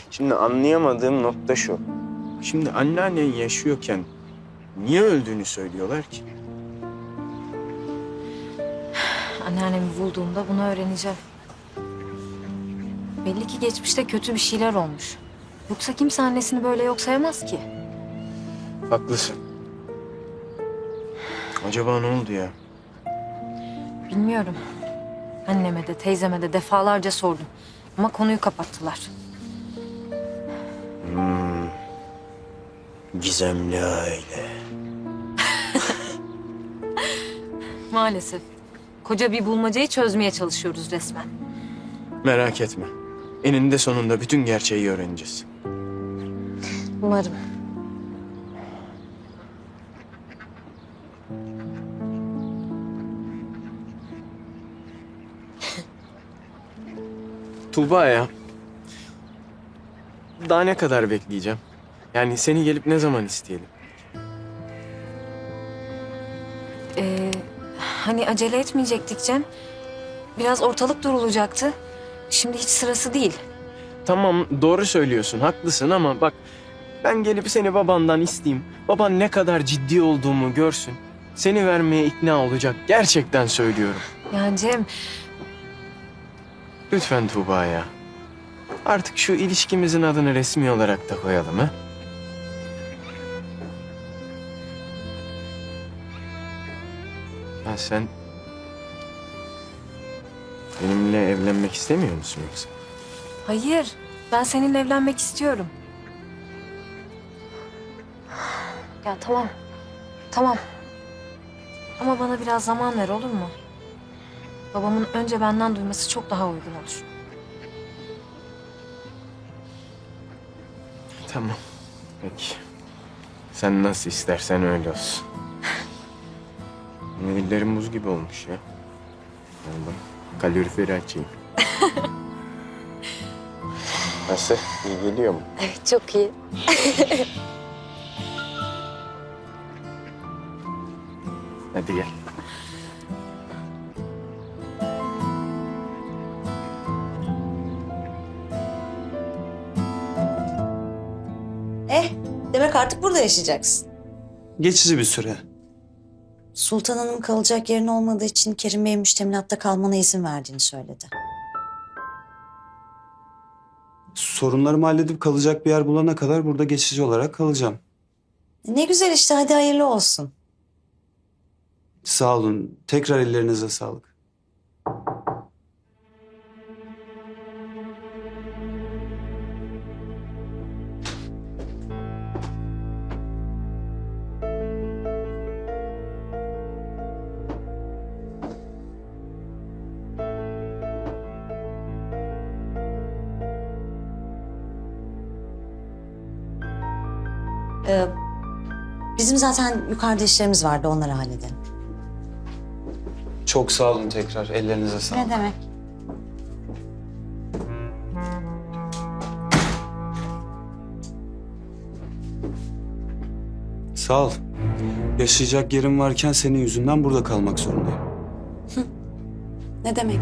Şimdi anlayamadığım nokta şu. Şimdi anneannen yaşıyorken niye öldüğünü söylüyorlar ki? Anneannemi bulduğumda bunu öğreneceğim. Belli ki geçmişte kötü bir şeyler olmuş. Yoksa kimse annesini böyle yok sayamaz ki. Haklısın. Acaba ne oldu ya? Bilmiyorum. Anneme de teyzeme de defalarca sordum. Ama konuyu kapattılar. Gizemli aile. Maalesef. Koca bir bulmacayı çözmeye çalışıyoruz resmen. Merak etme. Eninde sonunda bütün gerçeği öğreneceğiz. Umarım. Tuğba ya. Daha ne kadar bekleyeceğim? Yani seni gelip ne zaman isteyelim? Hani acele etmeyecektik Cem. Biraz ortalık durulacaktı. Şimdi hiç sırası değil. Tamam doğru söylüyorsun, haklısın ama bak ben gelip seni babandan isteyeyim. Baban ne kadar ciddi olduğumu görsün. Seni vermeye ikna olacak. Gerçekten söylüyorum. Ya Cem, Lütfen Tuğba ya. Artık şu ilişkimizin adını resmi olarak da koyalım ha. Ha sen benimle evlenmek istemiyor musun yoksa? hayır. Ben seninle evlenmek istiyorum. Ya tamam. Tamam. Ama bana biraz zaman ver olur mu? Babamın önce benden duyması çok daha uygun olur. Tamam. Peki. Sen nasıl istersen öyle olsun. Ellerim buz gibi olmuş ya. Vallahi kaloriferi açayım. Nasıl? İyi geliyor mu? Evet, çok iyi. Hadi gel. Demek artık burada yaşayacaksın. Geçici bir süre. Sultan Hanım kalacak yerin olmadığı için Kerim Bey'in müştemilatta kalmana izin verdiğini söyledi. Sorunlarımı halledip kalacak bir yer bulana kadar burada geçici olarak kalacağım. Ne güzel işte, hadi hayırlı olsun. Sağ olun. Tekrar ellerinize sağlık. Bizim zaten yukarıda işlerimiz vardı, onları halledelim. Çok sağ olun tekrar. Ellerinize sağlık. Ne demek? Sağ ol. Yaşayacak yerim varken senin yüzünden burada kalmak zorundayım. Ne demek?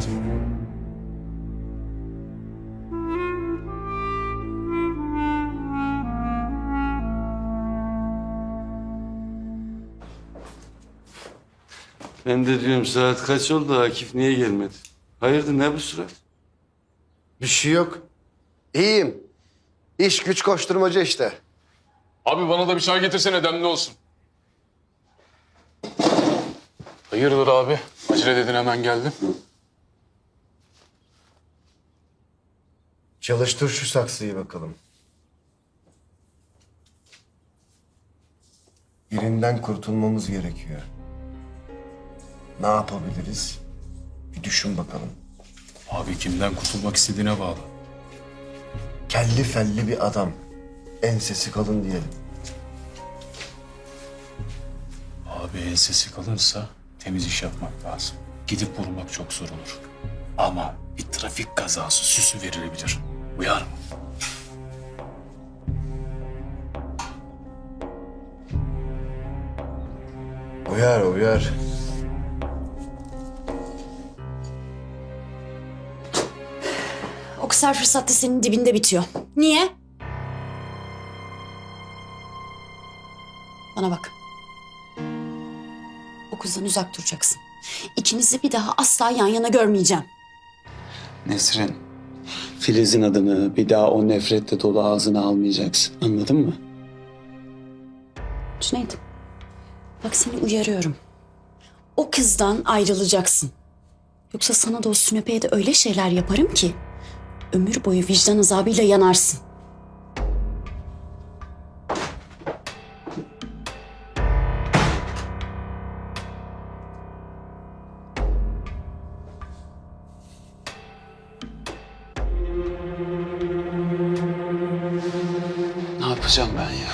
Ben de diyorum saat kaç oldu, Akif niye gelmedi? Hayırdır, ne bu surat? Bir şey yok. İyiyim. İş güç koşturmaca işte. Abi bana da bir çay getirsene, demli olsun. Hayırdır abi? Acele dedin, hemen geldim. Çalıştır şu saksıyı bakalım. Birinden kurtulmamız gerekiyor. Ne yapabiliriz? Bir düşün bakalım. Abi kimden kurtulmak istediğine bağlı. Kelli felli bir adam. Ensesi kalın diyelim. Abi ensesi kalırsa temiz iş yapmak lazım. Gidip vurmak çok zor olur. Ama bir trafik kazası süsü verilebilir. Uyar mı? Uyar uyar. O kısar fırsatta senin dibinde bitiyor. Niye? Bana bak. O kızdan uzak duracaksın. İkinizi bir daha asla yan yana görmeyeceğim. Nesrin, Filiz'in adını bir daha o nefretle dolu ağzına almayacaksın. Anladın mı? Cüneyt, bak seni uyarıyorum. O kızdan ayrılacaksın. Yoksa sana da o sünepeye de öyle şeyler yaparım ki ömür boyu vicdan azabıyla yanarsın. Ne yapacağım ben ya?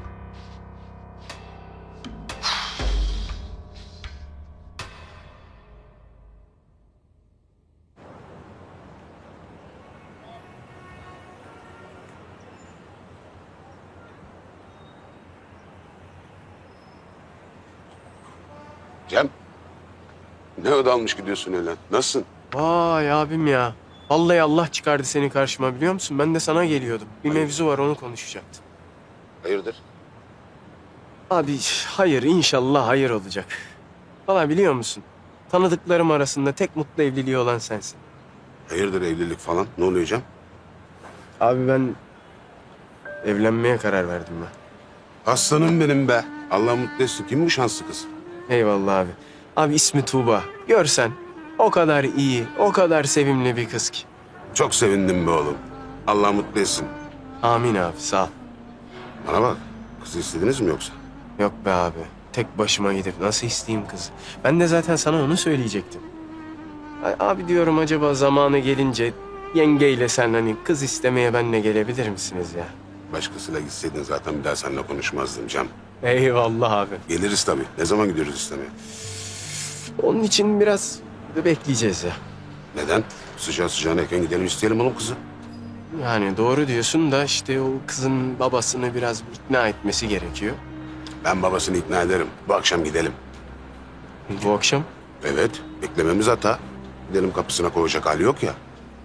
Cem, ne ödalmış gidiyorsun öyle? Nasılsın? Vay abim ya. Vallahi Allah çıkardı seni karşıma biliyor musun? Ben de sana geliyordum. Bir mevzu var onu konuşacaktım. Hayırdır? Abi hayır inşallah hayır olacak. Valla biliyor musun? Tanıdıklarım arasında tek mutlu evliliği olan sensin. Hayırdır evlilik falan? Ne oluyor Cem? Abi ben evlenmeye karar verdim ben. Aslanım benim be. Allah mutlu etsin. Kim bu şanslı kız? Eyvallah abi. Abi ismi Tuğba. Görsen o kadar iyi, o kadar sevimli bir kız ki. Çok sevindim be oğlum. Allah mutlu etsin. Amin abi sağ ol. Bana bak. Kızı istediniz mi yoksa? Yok be abi. Tek başıma gidip nasıl isteyeyim kızı? Ben de zaten sana onu söyleyecektim. Abi diyorum acaba zamanı gelince yengeyle sen hani kız istemeye benle gelebilir misiniz ya? Başkasıyla gitseydin zaten bir daha seninle konuşmazdım Cem. Eyvallah abi. Geliriz tabii. Ne zaman gidiyoruz istemeye? Onun için biraz bekleyeceğiz ya. Neden? Sıcağı sıcağına erken gidelim isteyelim oğlum kızı. Yani doğru diyorsun da işte o kızın babasını biraz ikna etmesi gerekiyor. Ben babasını ikna ederim. Bu akşam gidelim. Bu akşam? Evet. Beklememiz hata. Gidelim kapısına koyacak hali yok ya.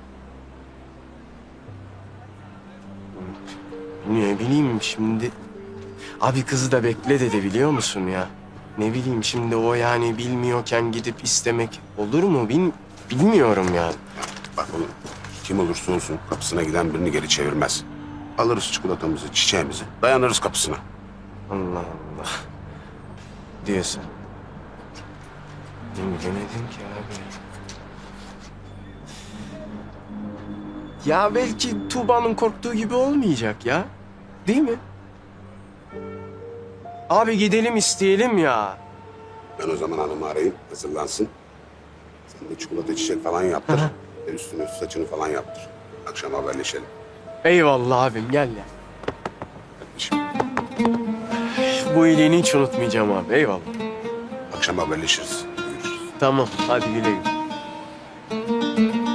Ne bileyim şimdi. Abi kızı da bekle dedi biliyor musun ya? Ne bileyim şimdi o yani bilmiyorken gidip istemek olur mu? Bilmiyorum yani. Bak oğlum, kim olursa olsun kapısına giden birini geri çevirmez. Alırız çikolatamızı, çiçeğimizi, dayanırız kapısına. Allah Allah. Diyorsun. Bilemedim ki abi. Ya belki Tuğba'nın korktuğu gibi olmayacak ya. Değil mi? Abi gidelim isteyelim ya. Ben o zaman hanımı arayayım, hazırlansın. Sen de çikolata, çiçek falan yaptır. Ve üstüne saçını falan yaptır. Akşam haberleşelim. Eyvallah abim gel ya. Kardeşim, Bu iyiliğini hiç unutmayacağım abi eyvallah. akşam haberleşiriz. Görüşürüz. Tamam hadi güle güle.